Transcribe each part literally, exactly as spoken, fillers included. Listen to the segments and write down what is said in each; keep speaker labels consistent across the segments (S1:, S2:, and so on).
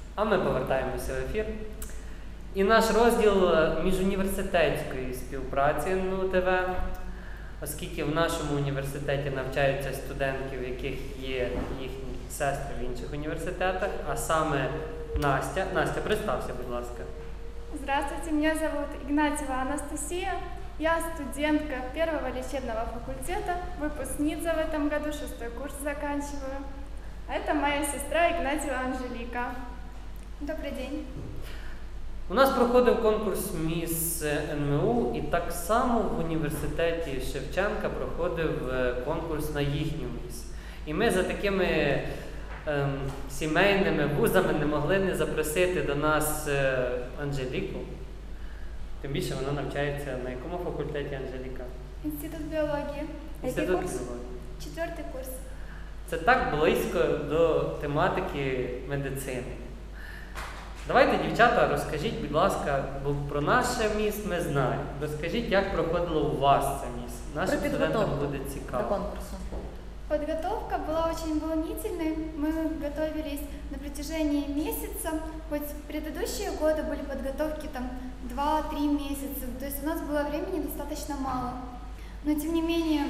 S1: А ми повертаємося в ефір. І наш розділ міжуніверситетської співпраці ен ем у те ве, оскільки в нашому університеті навчаються студентки, в яких є їхні сестри в інших університетах, а саме Настя. Настя, представся, будь ласка.
S2: Здравствуйте, меня зовут Игнатьева Анастасия. Я студентка первого лечебного факультета, выпускница в этом году, шестой курс заканчиваю. А это моя сестра Игнатьева Анжелика. Добрый день.
S1: У нас проходив конкурс «Міс ен ем у», і так само в університеті Шевченка проходив конкурс на їхню міс. І ми за такими ем, сімейними вузами не могли не запросити до нас е, Анжеліку. Тим більше вона навчається на якому факультеті, Анжеліка?
S2: Институт биологии.
S1: Інститут
S2: курс?
S1: біології.
S2: Четвертый курс.
S1: Це так близько до тематики медицини. Давайте, дівчата, розкажіть, будь ласка, бо про наше міс ми знаємо. Розкажіть, як проходило у вас це міс. Нашим студентам буде цікаво.
S3: До конкурсу.
S2: Подготовка была очень волнительной. Мы готовились на протяжении месяца. Хоть предыдущие годы были подготовки там два-три месяца, то есть у нас было времени достаточно мало. Но тем не менее,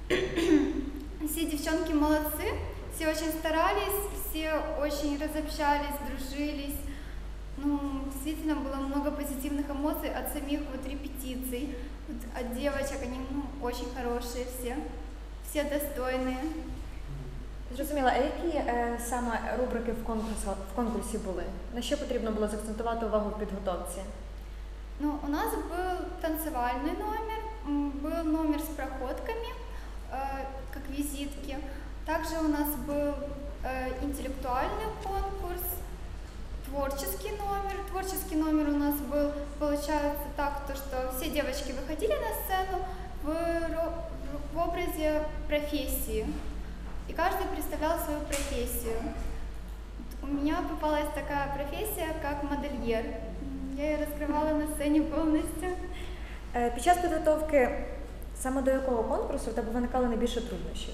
S2: все девчонки молодцы, все очень старались, все очень разобщались, дружились. Ну, действительно было много позитивных эмоций от самих вот репетиций, вот от девочек, они ну, очень хорошие все, все достойные.
S3: Зрозуміла, а які е, саме рубрики в конкурсі, в конкурсі були? На що потрібно було закцентувати увагу в підготовці?
S2: Ну, у нас был танцевальный номер, м, был номер с проходками, э, как визитки. Также у нас был э, интеллектуальный конкурс, творческий номер. Творческий номер у нас был, получается так, то, что все девочки выходили на сцену в, ро- в образе профессии. И каждый представлял свою профессию. У меня попалась такая профессия, как модельер. Я ее раскрывала на сцене полностью.
S3: Е, під час підготовки саме до якого конкурсу в тебе виникали найбільше труднощів?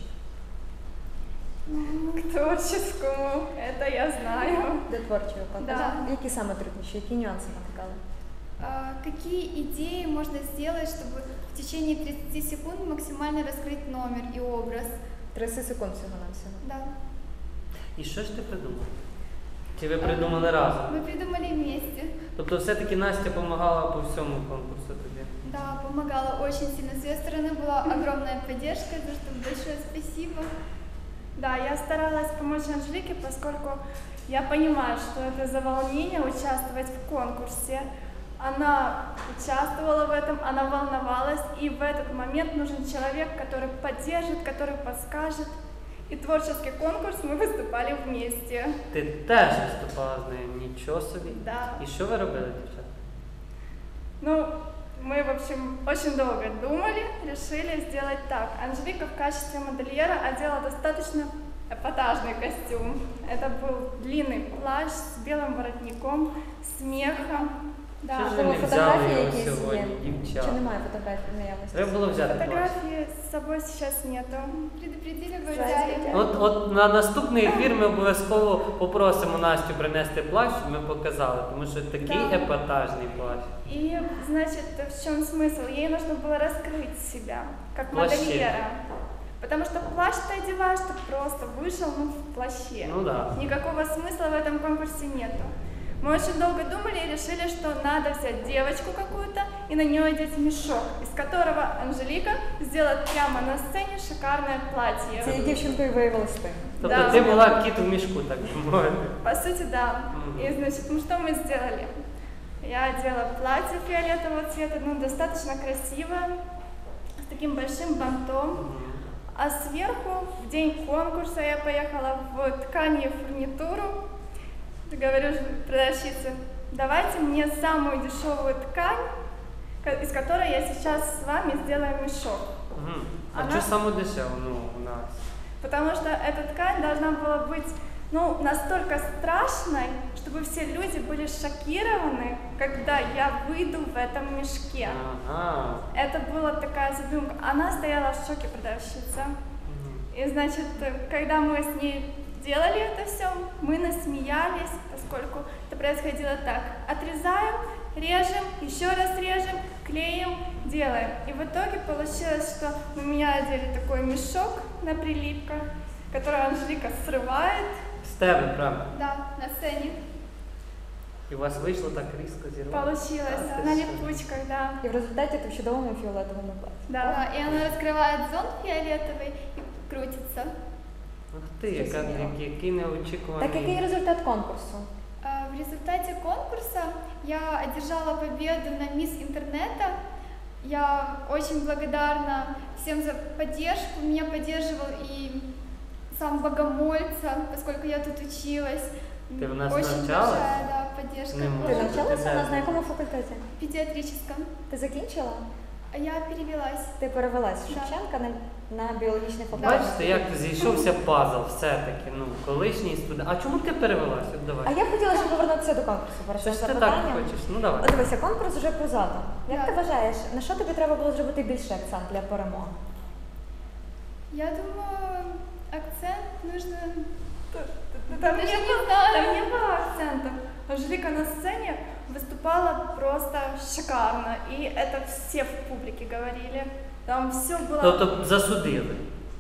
S2: К творческому, это я знаю.
S3: До творчого конкурсу?
S2: Да.
S3: Які саме труднощі, які нюанси виникали?
S2: А, какие идеи можно сделать, чтобы в течение тридцати секунд максимально раскрыть номер и образ?
S3: тридцять секунд всього на всього.
S2: Да.
S1: І що ж ти придумала? Чи ви придумали разом?
S2: Мы придумали вместе.
S1: Тобто все-таки Настя допомагала по всьому конкурсу тобі?
S2: Да, помогала очень сильно. С ее стороны была огромная поддержка, за что большое спасибо.
S4: Да, я старалась помочь Анжелике, поскольку я понимаю, что это за волнение участвовать в конкурсе. Она участвовала в этом, она волновалась, и в этот момент нужен человек, который поддержит, который подскажет. И творческий конкурс мы выступали вместе.
S1: Ти теж виступала з нею, нічого собі.
S4: Да.
S1: І що ви робили, дівчата?
S4: Ну, мы, в общем, очень долго думали, решили сделать так. Анжелика в качестве модельера одела достаточно эпатажный костюм. Это был длинный плащ с белым воротником, с мехом. Да.
S1: Що ж ви
S3: Тому
S1: не взяли
S3: фотографії
S1: його
S3: якісь є?
S1: сьогодні, дівчата?
S3: Чи немає фотографій в наявності?
S1: Треба було взяти плащ.
S4: Фотографии с собой сейчас нету.
S2: Предупредили, вы
S3: Здравствуйте.
S2: взяли.
S1: От, от на наступний ефір ми обов'язково попросимо Настю принести плащ, щоб ми показали, тому що такий
S4: Да.
S1: епатажний плащ.
S4: И, значит, в чем смысл? Ей нужно было раскрыть себя, как
S1: Плаще.
S4: модельера. Потому что плащ ты одеваешь, ты просто вышел ну, в плаще.
S1: Ну да.
S4: Никакого смысла в этом конкурсе нету. Мы очень долго думали и решили, что надо взять девочку какую-то и на нее одеть мешок, из которого Анжелика сделает прямо на сцене шикарное платье.
S3: Цією дівчинкою виявилась ти.
S1: Тобто
S4: Да.
S1: ти була кіт у мішку, так би мовити.
S4: По сути, да.
S1: Мгм.
S4: И, значит, ну что мы сделали? Я одела платье фиолетового цвета, ну, достаточно красивое, с таким большим бантом.
S1: Мгм.
S4: А сверху, в день конкурса, я поехала в ткани фурнитуру. Говорю продавщице, давайте мне самую дешевую ткань, ко- из которой я сейчас с вами сделаю мешок.
S1: Мгм. А
S4: Она-
S1: що саме дешево, ну, у нас?
S4: Потому что эта ткань должна была быть ну, настолько страшной, чтобы все люди были шокированы, когда я выйду в этом мешке.
S1: Ага.
S4: Это была такая задумка. Она стояла в шоке, продавщица.
S1: Мгм.
S4: И, значит, когда мы с ней делали это все, мы насмеялись, поскольку это происходило так. Отрезаем, режем, еще раз режем, клеим, делаем. И в итоге получилось, что на меня одели такой мешок на прилипках, который Анжелика срывает.
S1: З тебе, правда?
S2: Да, на сцене.
S1: І у вас вийшло так різко зірвати?
S4: Получилось
S1: А, ти
S4: на
S1: що?
S4: липучках, да.
S3: І в результаті ти в чудовому фіолетовому платі.
S4: Да.
S2: Да, и она раскрывает зонт фиолетовый и крутится.
S1: Ух ти, яка, який неочікуваний.
S3: Так який результат конкурсу?
S2: А, В результате конкурса я одержала победу на Мисс Интернета. Я очень благодарна всем за поддержку. Меня поддерживал и сам Богомольца, поскольку я тут училась.
S1: Ты у нас
S2: Очень
S1: навчалась?
S2: большая, да, поддержка.
S1: Не
S3: Ти
S1: можу.
S3: навчалася у нас
S1: Ти
S3: на якому факультеті?
S2: В педиатрическом.
S3: Ти закінчила?
S2: А я перевелась.
S3: Ти перевелась з
S2: Да.
S3: Шевченка на, на біологічний факультет.
S1: Бачите, як зійшовся пазл все-таки, ну, колишній студент. А чому ти перевелась? От давай.
S3: А я б хотіла ще повернутися до конкурсу. перед
S1: Це
S3: цим
S1: ж ти так
S3: запитанням.
S1: хочеш, ну давай.
S3: От дивися, конкурс вже позаду. Як
S2: Так.
S3: ти вважаєш, на що тобі треба було зробити більший акцент для перемоги?
S2: Я думаю, акцент нужно...
S4: Там
S2: Даже
S4: не,
S2: не
S4: было,
S2: знаю.
S4: там не было акцентов. Анжелика на сцене выступала просто шикарно, и это все в публике говорили. Там все было...
S1: Тобто засудили.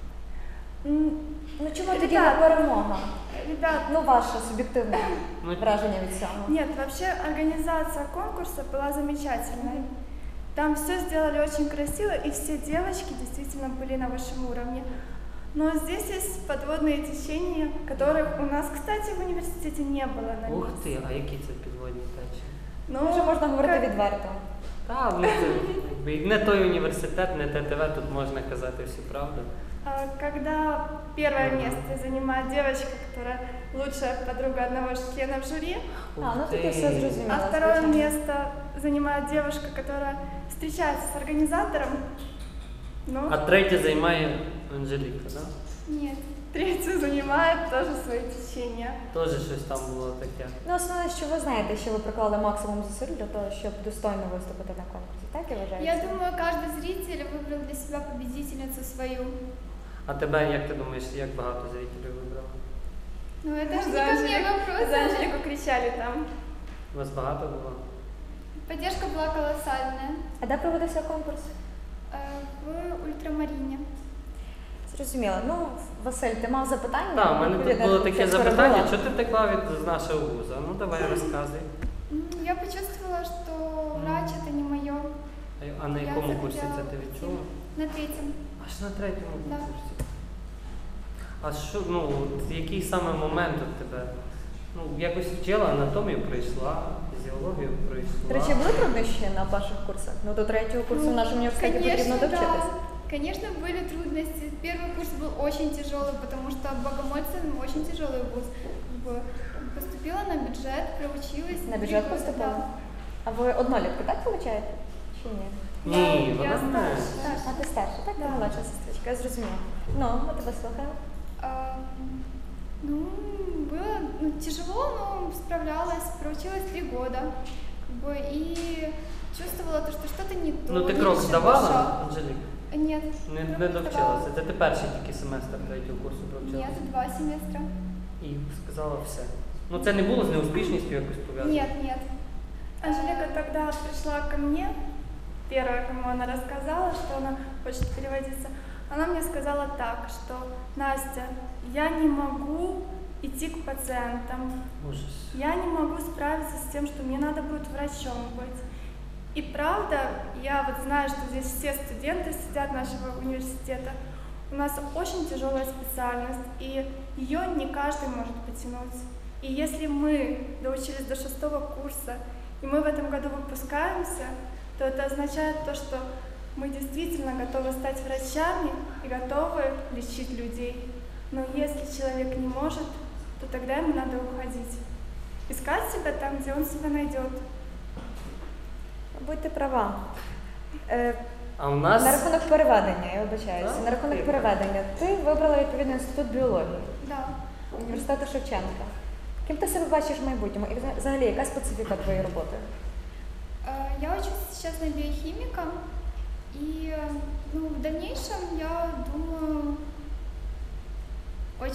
S4: М,
S3: Ну чому тоді
S4: Ребят.
S3: не перемога?
S4: Ребят,
S3: Ну, ваше суб'єктивне
S1: Ну,
S3: враження від цього.
S4: нет, вообще организация конкурса была замечательной. Там все сделали очень красиво, и все девочки действительно были на высшем уровне. Но здесь есть подводные течения, которых у нас, кстати, в университете не было на
S1: Ух
S4: них.
S1: ти, а які це підводні течії?
S4: Ну,
S3: Вже можна говорити
S4: как-
S3: відверто.
S1: Та, ну це якби, не той університет, не те ТВ, тут можна казати всю правду.
S4: А, Когда первое
S1: Мгм.
S4: место занимает девочка, которая лучшая подруга одного из членов жюри,
S1: Ух
S3: А, ну
S1: ти.
S3: тут я все зрозуміла.
S4: а второе
S3: звичайно.
S4: место занимает девушка, которая встречается с организатором. Ну,
S1: А третє займає Анжеліка, так?
S2: Нет.
S4: третью занимает тоже свои течения.
S1: Да? Теж щось там було таке.
S3: Ну, основне, що ви знаєте, що ви приклали максимум зусиль для того, щоб достойно виступити на конкурсі. Так я вважаю?
S2: Я думаю, каждый зритель выбрал для себя победительницу свою.
S1: А тебе, як ти думаєш, як багато зрителів вибрало?
S2: Ну, это же
S4: За
S2: не ко мне
S4: Анжелику-
S2: вопрос.
S4: За Анжелику кричали там.
S1: У вас багато було?
S2: Поддержка была колоссальная.
S3: А де проводився конкурс?
S2: Э, В ультрамарине.
S3: Зрозуміло. Ну, Василь, ти мав запитання?
S1: Так, у мене тут
S3: Відповідно,
S1: було
S3: ти
S1: таке
S3: це
S1: запитання,
S3: перебила.
S1: що ти втекла від з нашого вуза? Ну давай розказуй.
S2: М, Я почувствовала, что врач это не мое.
S1: А на
S2: Я
S1: якому
S2: захотела
S1: курсі це ти відчула?
S2: На третьем.
S1: Аж на третьому
S2: Да.
S1: курсі. А що, ну, от який саме момент у тебе? Ну, якось вчила анатомію пройшла, фізіологію пройшла.
S3: До речі, були труднощі на перших курсах? Ну, до третього курсу в нашому університеті потрібно
S2: да.
S3: довчитись.
S2: Конечно, были трудности. Первый курс был очень тяжелый, потому что Богомольцы ну, очень тяжелый вуз. Как бы Поступила на бюджет, проучилась.
S3: На
S2: три
S3: бюджет
S2: года,
S3: поступила?
S2: да.
S3: А ви однолітку так получаєте? Чи ні?
S1: Ні,
S4: Я-
S1: вона
S4: я
S1: знає.
S4: старша.
S3: А ти старша, так? Ти молодша сестричка, я зрозуміла. Ну, ми тебе слухаємо.
S2: А, ну, было ну, тяжело, но справлялась. Проучилась три года. Как бы, и чувствовала то, что что-то не то.
S1: Ну ти
S2: не
S1: крок
S2: решила
S1: здавала,
S2: шаг.
S1: Анжеліка?
S2: Нет.
S1: Не,
S2: крок
S1: не
S2: сдавала.
S1: довчилася. Це ти перший тільки семестр третього курсу провчилася?
S2: Нет, два семестра.
S1: І сказала все. Ну це не було з неуспішністю якось пов'язано?
S2: Нет, нет.
S4: Анжелика тогда пришла ко мне, первая, кому она рассказала, что она хочет переводиться. Она мне сказала так, что Настя, я не могу идти к пациентам,
S1: Ужас.
S4: я не могу справиться с тем, что мне надо будет врачом быть. И правда, я вот знаю, что здесь все студенты сидят нашего университета. У нас очень тяжелая специальность, и ее не каждый может потянуть. И если мы доучились до шестого курса, и мы в этом году выпускаемся, то это означает то, что мы действительно готовы стать врачами и готовы лечить людей. Но если человек не может, то тогда ему надо уходить. Искать себя там, где он себя найдет.
S3: Будьте права. Е,
S1: А у нас
S3: На рахунок переведення, я вибачаюся.
S1: Так,
S3: На рахунок
S1: ти-
S3: переведення. Ти вибрала відповідно інститут біології
S2: Да.
S3: університету Шевченка. Ким ти себе бачиш в майбутньому? І взагалі, яка специфіка твоєї роботи?
S2: Э, Я учусь сейчас на биохимика, и э, ну, в дальнейшем я думаю очень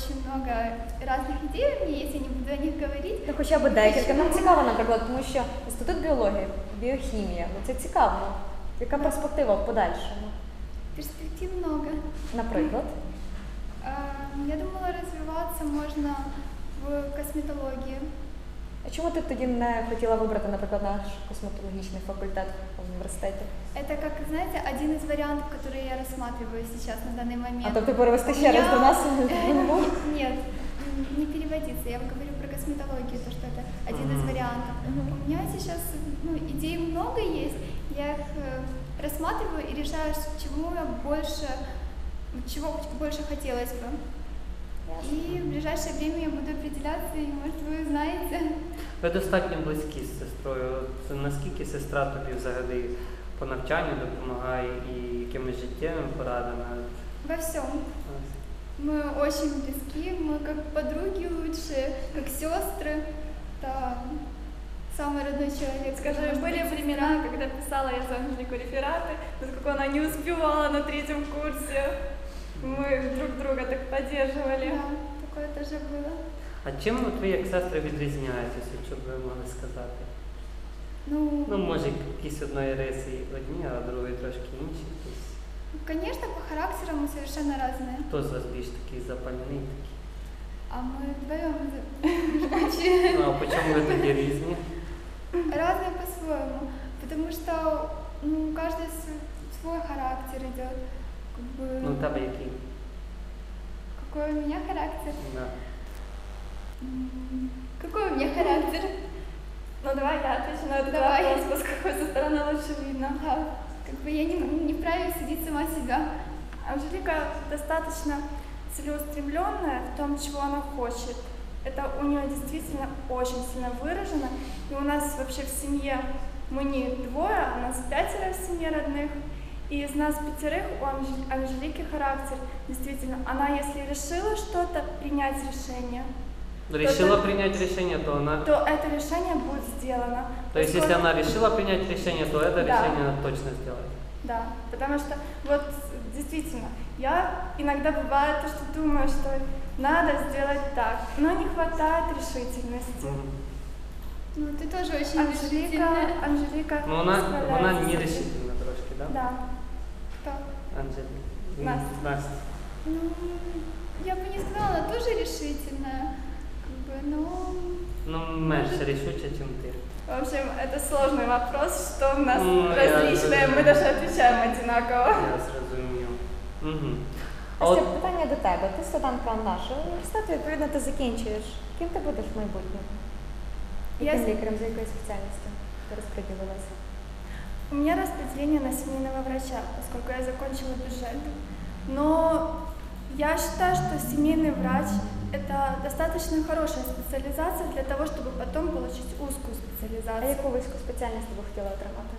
S2: очень много разных идей у меня есть, я не буду о них говорить.
S3: Ну, хоча б декілька. Нам цікаво, наприклад, тому що інститут біології, біохімія, ну це цікаво. Яка перспектива в подальшому?
S2: Перспектив много.
S3: Наприклад?
S2: А, Я думала, развиваться можно в косметологии.
S3: А чому ти тоді не хотіла вибрати, наприклад, наш косметологічний факультет в університеті?
S2: Это, как знаете, один из вариантов, которые я рассматриваю сейчас на данный момент.
S3: А тобто перевести
S2: У
S3: ще раз
S2: меня-
S3: до нас?
S2: Нет, не переводиться. Я говорю про косметологию, то, что это один из
S1: Мгм.
S2: вариантов. У меня сейчас ну, идей много есть, я их э, рассматриваю и решаю, чему я больше, чего больше хотелось бы. И в ближайшее время я буду определяться, и, может, вы знаете.
S1: Ви достатньо близькі з сестрою. От наскільки сестра тобі взагалі по навчанню допомагає і якимись життєвими порадами?
S2: Во всем.
S1: Ось.
S2: Мы очень близки, мы как подруги лучшие, как сестры. Это самый родной человек.
S4: Скажи,
S2: может
S4: были
S2: быть,
S4: времена, когда писала я за Анжелику рефераты, поскольку она не успевала на третьем курсе. Мы друг друга так поддерживали.
S2: Да, такое тоже было.
S1: А чим от ви як сестри відрізняєтеся, що б ви могли сказати?
S2: Ну,
S1: Ну, може, якісь одної риси одні, а другої трошки інші. Якісь.
S2: конечно, по характеру мы совершенно разные.
S1: Хто з вас більш такий запальний? Такий?
S2: А мы вдвоем очень
S1: Ну, а по чому ви тоді різні?
S2: разные по-своему. Потому что ну, у каждой с- свой характер идет. Как бы,
S1: Ну, у тебе який?
S2: какой у меня характер?
S1: Да.
S2: М, Какой у меня характер?
S4: Ну давай я отвечу на этот
S2: Давай.
S4: вопрос, поскольку со стороны лучше видно.
S2: Ага, как бы я не, не вправе судить сама себя.
S4: Анжелика достаточно целеустремленная в том, чего она хочет. Это у нее действительно очень сильно выражено. И у нас вообще в семье, мы не двое, а нас пятеро в семье родных. И из нас пятерых у Анжел- Анжелики характер. Действительно, она если решила что-то, принять решение,
S1: Решила
S4: то-
S1: принять решение, то она...
S4: то это решение будет сделано.
S1: То есть, если
S4: Поскольку-
S1: она решила принять решение, то это
S4: Да.
S1: решение она точно сделает.
S4: Да, потому что вот действительно, я иногда бывает то, что думаю, что надо сделать так, но не хватает решительности.
S1: Мгм.
S2: Ну, ты тоже очень
S4: Анжелика,
S2: решительная.
S4: Анжелика
S1: Ну, вона,
S4: справляется
S1: вона
S4: с этим.
S1: нерешительна трошки, да?
S4: Да.
S2: Кто?
S1: Анжеліка.
S4: Настя.
S1: Настя.
S2: Ну, я бы не сказала, она тоже решительная. Как бы, но...
S1: Ну, менше рішуча, ніж ти.
S4: В общем, это сложный вопрос, что у нас
S1: Ну, я
S4: различное, мы
S1: разумею.
S4: даже отвечаем одинаково.
S1: Я зрозумів. Угу. А
S3: Настя,
S1: от
S3: питання до тебе. Ти студентка нашого університету, відповідно, ти закінчуєш. Ким ти будеш в майбутньому?
S4: Я
S3: Яким
S4: с-
S3: лікарем, за якою спеціальністю ти розподілилася?
S4: У меня распределение на семейного врача, поскольку я закончила бюджет. Но я считаю, что семейный врач – это достаточно хорошая специализация для того, чтобы потом получить узкую
S3: А
S4: специализацию.
S3: яку вузьку спеціальність ти б хотіла отримати?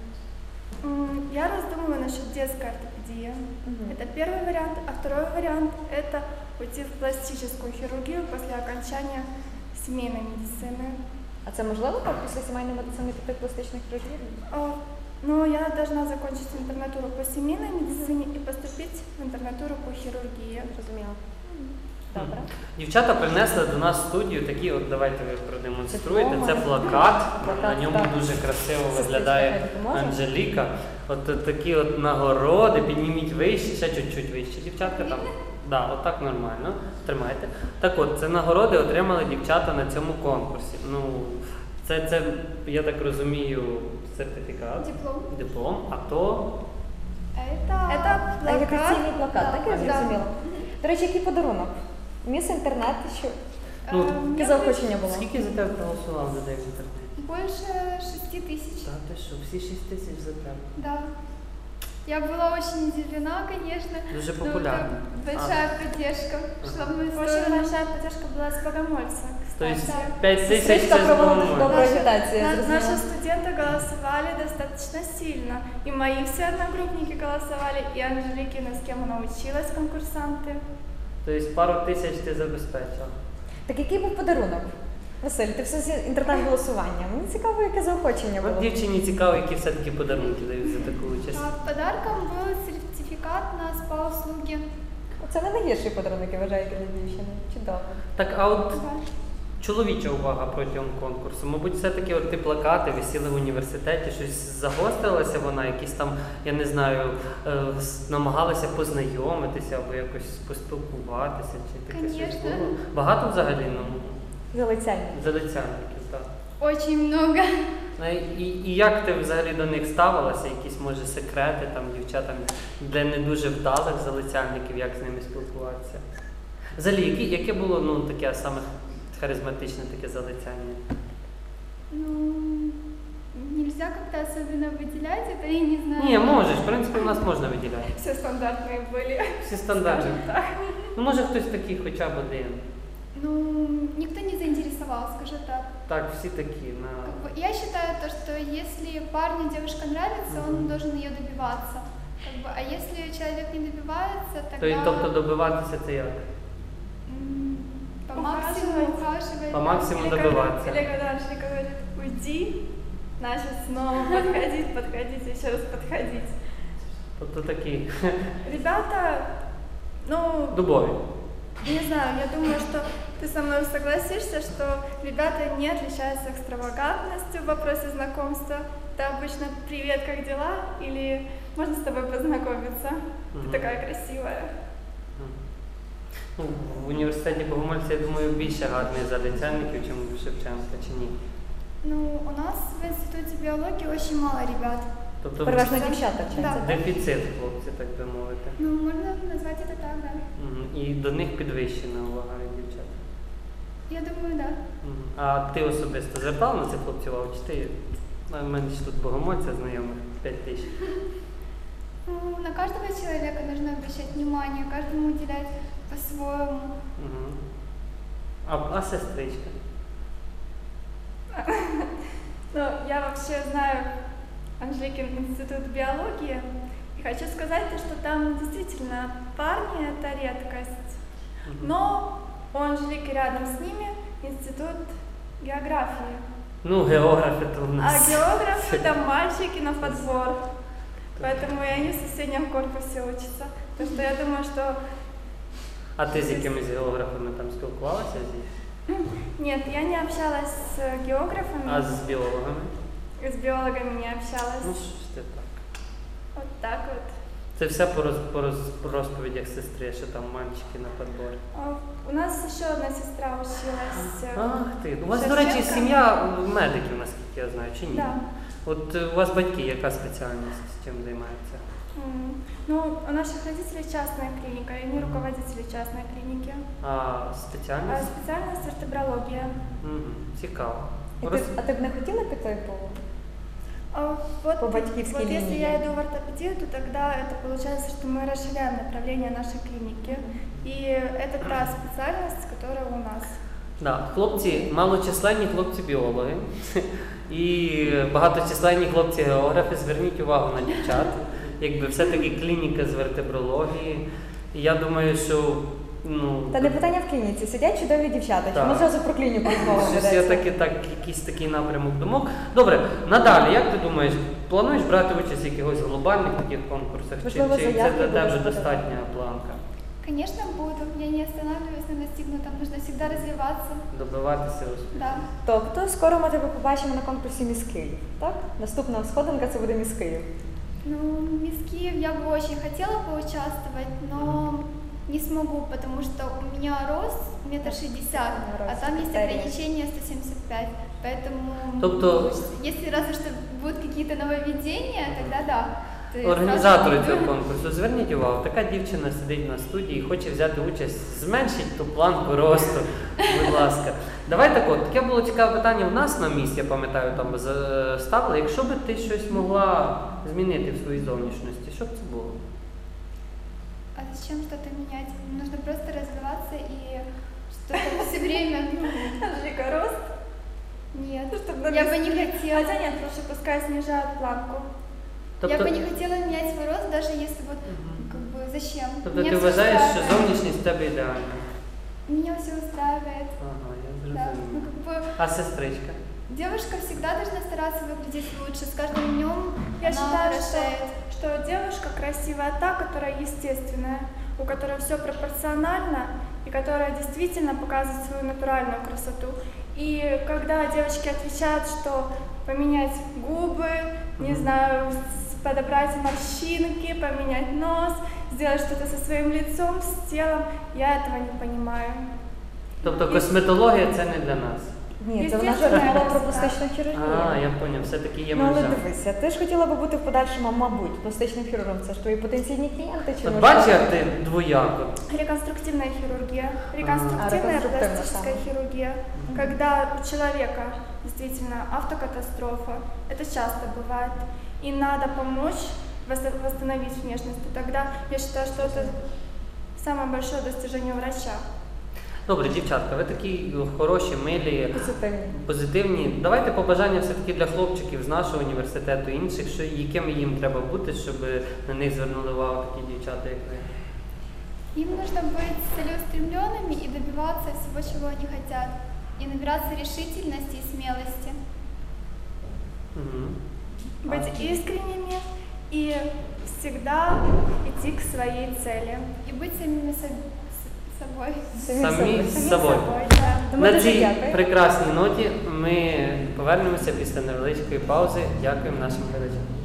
S4: М, Я раздумываю насчет детской ортопедии.
S3: Мгм.
S4: Это первый вариант. А второй вариант – это уйти в пластическую хирургию после окончания семейной медицины.
S3: А це можливо так після сімейної медицини піти в пластичних хірургів?
S4: О, Но я должна закончить интернатуру по семейной медицине и поступить в интернатуру по хирургии.
S3: Зрозуміло. Добре.
S1: дівчата принесли до нас в студію такі, от давайте ви продемонструєте.
S3: Дипломи.
S1: Це плакат,
S3: Плакат,
S1: на ньому
S3: так.
S1: дуже красиво
S3: Сестричка,
S1: виглядає
S3: хай допоможе.
S1: Анжеліка. От, от такі от нагороди, підніміть вище, ще чуть-чуть вище, дівчатка там. Да, отак нормально. Тримайте. Так от, це нагороди отримали дівчата на цьому конкурсі. Ну, це, це, я так розумію, сертифікат,
S2: Диплом.
S1: диплом, а то
S2: Это,
S4: Это плакат.
S3: Агітаційний плакат,
S2: Да,
S3: так я
S2: да.
S3: зрозуміла. До речі, який подарунок? Міс інтернет, що
S1: Ну,
S2: э,
S3: яке заохочення було?
S1: скільки за тебе проголосувало людей в інтернеті?
S2: больше шести тысяч.
S1: Та ти що, всі шість тисяч за тебе.
S2: Да. Я была очень удивлена, конечно.
S1: Дуже
S2: но
S1: популярно.
S2: это большая поддержка шла в мою
S4: Очень
S2: сторону.
S4: большая поддержка была с Богомольца,
S1: Тобто
S4: кстати.
S1: п'ять тисяч
S3: Сестричка
S1: це
S3: проводить
S1: нормально.
S3: добру агітацію,
S4: На-
S3: зрозуміла.
S4: наши студенты голосовали достаточно сильно. И мои все одногруппники голосовали, и Анжеликина, с кем она училась, конкурсанты.
S1: Тобто пару тисяч ти забезпечила.
S3: Так який був подарунок? Василь, ти все з інтернет-голосування. Мені цікаво, яке заохочення
S1: От
S3: було.
S1: дівчині цікаво, які все-таки подарунки дають за таку участь.
S2: А подарком был сертификат на спа-услуги.
S3: Це не найгірший подарунок, я вважаю, для дівчини. Чудово.
S1: Так, а от
S2: Да.
S1: чоловіча увага протягом конкурсу. Мабуть, все-таки от ті плакати висіли в університеті, щось загострилася вона, якісь там, я не знаю, е, с- намагалися познайомитися або якось поспілкуватися, чи таке щось
S2: Конечно.
S1: було. Багато взагалі, ну,
S3: Залицяння.
S1: залицяльників, так.
S2: Очень много.
S1: А І, і як ти взагалі до них ставилася? Якісь, може, секрети там дівчатам для не дуже вдалих залицяльників, як з ними спілкуватися? Взагалі, які, яке було ну, таке саме харизматичне таке залицяння?
S2: Ну, нельзя как-то особенно выделять это, я не знаю.
S1: Ні, можеш, в принципі, у нас можна виділяти.
S4: Все стандартные были.
S1: Всі стандартні.
S4: Скажем так.
S1: Ну, може хтось такий хоча б один.
S2: Ну, никто не заинтересовал, скажу так.
S1: Так, всі такі. На...
S2: Как бы, я считаю то, что если парню девушка нравится, он
S1: Мгм.
S2: должен ее добиваться. Как бы, а если человек не добивается,
S1: То, й-
S2: тогда
S1: тобто добиватися це як?
S2: м, по
S4: Ухаживать.
S2: максимуму ухаживать.
S1: По максимуму
S4: Или
S1: добиваться.
S4: когда- Или когда Анжелика говорит, уйди, значит снова подходить, подходить, еще раз подходить.
S1: Тобто такі
S4: Ребята, ну,
S1: дубові.
S4: не знаю, я думаю, что ты со мной согласишься, что ребята не отличаются экстравагантностью в вопросе знакомства. Это обычно «Привет, как дела?» или «Можно с тобой познакомиться?
S1: Мгм.
S4: Ты такая красивая».
S1: Ну, в університеті Богомольця, я думаю, більше гарних залицяльників, ніж в Шевченка, чи ні?
S2: Ну, у нас в институте биологии очень мало ребят.
S1: Тобто
S3: Переважно дівчата вчаться.
S2: Да.
S1: дефіцит, хлопці, так би мовити.
S2: Ну, можно назвать это так, да.
S1: Мгм. І до них підвищена увага від дівчат.
S2: Я думаю, да.
S1: Мгм. А ти особисто звертав на цих хлопців увагу? Чи ти? У мене ж тут Богомольця знайомих п'ять тисяч.
S2: Ну, на каждого человека нужно обращать внимание, каждому уделять по-своему.
S1: Мгм. А, а сестричка?
S4: Ну, я вообще знаю Анжеликин институт биологии, и хочу сказать, то, что там действительно парни – это редкость.
S1: Мгм.
S4: Но у Анжелики рядом с ними институт географии.
S1: Ну, географи то у
S4: А
S1: нас.
S4: географы там мальчики на подбор. Поэтому и они в соседнем корпусе учатся. Так что я думаю, что
S1: А ти з якимись географами там спілкувалася? Зі?
S4: нет, я не общалась с географами,
S1: А з біологами?
S4: с биологами не общалась.
S1: Ну, що ж ти так?
S4: Вот так вот.
S1: Це все по, роз, по, роз, по розповідях сестри, що там мальчики на подборі.
S4: А, У нас еще одна сестра училась. э,
S1: Ах ти. У вас, до речі,
S4: Шевченка?
S1: сім'я медиків, наскільки я знаю, чи ні?
S4: Да.
S1: От е, у вас батьки, яка спеціальність, чим займаються?
S4: М, Ну, у наших родителей частная клиника, и они руководители частной клиники.
S1: А
S4: А
S1: спеціальність?
S4: специальность ортобрология.
S1: Угу. Цікаво.
S3: І ти,
S1: Роз...
S3: а ти б не хотіла піти по
S4: А вот,
S3: По батькивской
S4: вот если
S3: линии.
S4: я иду в ортопедию, то тогда это получается, что мы расширяем направление нашей клиники. И это та специальность, которая у нас.
S1: Да, хлопці, малочисленні хлопці-біологи і багаточисленні хлопці-географи, зверніть увагу на дівчат. Якби все-таки клініка з вертебрології. І я думаю, що ну,
S3: Та не питання в клініці, сидять чудові дівчата.
S1: Так.
S3: Чому зразу про клініку розмова
S1: щось
S3: ведеться?
S1: я таки, так, якийсь такий напрямок думок. Добре, надалі, як ти думаєш, плануєш брати участь в якихось глобальних таких конкурсах? Чи,
S3: Можливо,
S1: чи це
S3: заявки
S1: для тебе
S3: будеш
S1: достатня планка?
S2: Конечно, буду. Я не останавливаюсь на достигнутом. Нужно всегда развиваться.
S1: Добиватися успіху?
S2: Да.
S3: Тобто скоро ми тебе побачимо на конкурсі Міс Київ, так? Наступна сходинка це буде Міс Київ.
S2: Ну, Мисс Киев я бы очень хотела поучаствовать, но не смогу, потому что у меня рост метр шестьдесят, а
S3: Рост
S2: там есть
S3: критерий.
S2: ограничение сто семьдесят пять. Поэтому,
S1: Тобто-
S2: ну, если разве что будут какие-то нововведения, тогда да. Ты
S1: Організатори
S2: сразу-
S1: цього конкурсу, зверніть увагу, така дівчина сидить на студії і хоче взяти участь, зменшіть ту планку росту, будь ласка. Давай так от, таке було цікаве питання в нас на місці, я пам'ятаю, там за- ставили. Якщо би ти щось могла змінити в своїй зовнішності, що б це було?
S2: А зачем что-то менять? Нужно просто развиваться и что-то все время...
S4: Анжелика, рост?
S2: Нет,
S4: Ну, чтоб на
S2: я бы
S4: Мисс
S2: не
S4: Киев.
S2: хотела.
S4: Хотя нет, лучше пускай снижают планку.
S2: Я бы не хотела менять свой рост, даже если вот,
S1: Мгм.
S2: как бы, зачем?
S1: Тобто
S2: Меня
S1: ти
S2: всё
S1: вважаєш, що
S2: устраивает.
S1: зовнішність в тебе ідеальна?
S2: Меня все устраивает.
S1: Ага, я
S2: Да. Ну,
S1: зрозумів.
S2: как бы,
S1: А сестричка?
S2: девушка всегда должна стараться выглядеть лучше. С каждым днем
S4: Я
S2: она
S4: считаю, что,
S2: хорошеет.
S4: что девушка красивая та, которая естественная. у которой все пропорционально и которая действительно показывает свою натуральную красоту. И когда девочки отвечают, что поменять губы, не знаю, с- подобрать морщинки, поменять нос, сделать что-то со своим лицом, с телом, я этого не понимаю.
S1: Тобто косметологія це не для нас.
S3: Ні, це вона
S4: Естественно,
S3: жартувала
S4: так.
S3: про пластичну хірургію.
S1: А, я зрозумів, все-таки є
S3: Ну, але
S1: межа.
S3: дивися, ти ж хотіла би бути в подальшому, мабуть, пластичним хірургом. Це ж твої потенційні клієнти чи
S1: От
S3: може-
S1: бачиш, як ти двояко.
S4: Реконструктивная хирургия. Реконструктивная
S3: А, реконструктивная,
S4: пластическая
S3: да.
S4: хирургия. Когда у человека действительно автокатастрофа, это часто бывает, и надо помочь вос- восстановить внешность, то тогда я считаю, что это самое большое достижение врача.
S1: Добре, дівчатка, ви такі хороші, милі,
S3: Позитивні.
S1: позитивні. Давайте побажання все-таки для хлопчиків з нашого університету, інших, що, якими їм треба бути, щоб на них звернули увагу такі дівчата, як ви.
S2: Им нужно быть целеустремленными и добиваться всего, чего они хотят. И набираться решительности и смелости.
S1: Угу.
S4: Быть искренними и всегда идти к своей цели.
S2: И быть самими со- с- собой.
S1: Самі з
S4: Самим
S1: собою.
S4: собой, да.
S3: Тому
S1: На
S3: дуже
S1: цій
S3: дякую.
S1: прекрасній ноті ми повернемося після невеличкої паузи. Дякуємо нашим глядачам.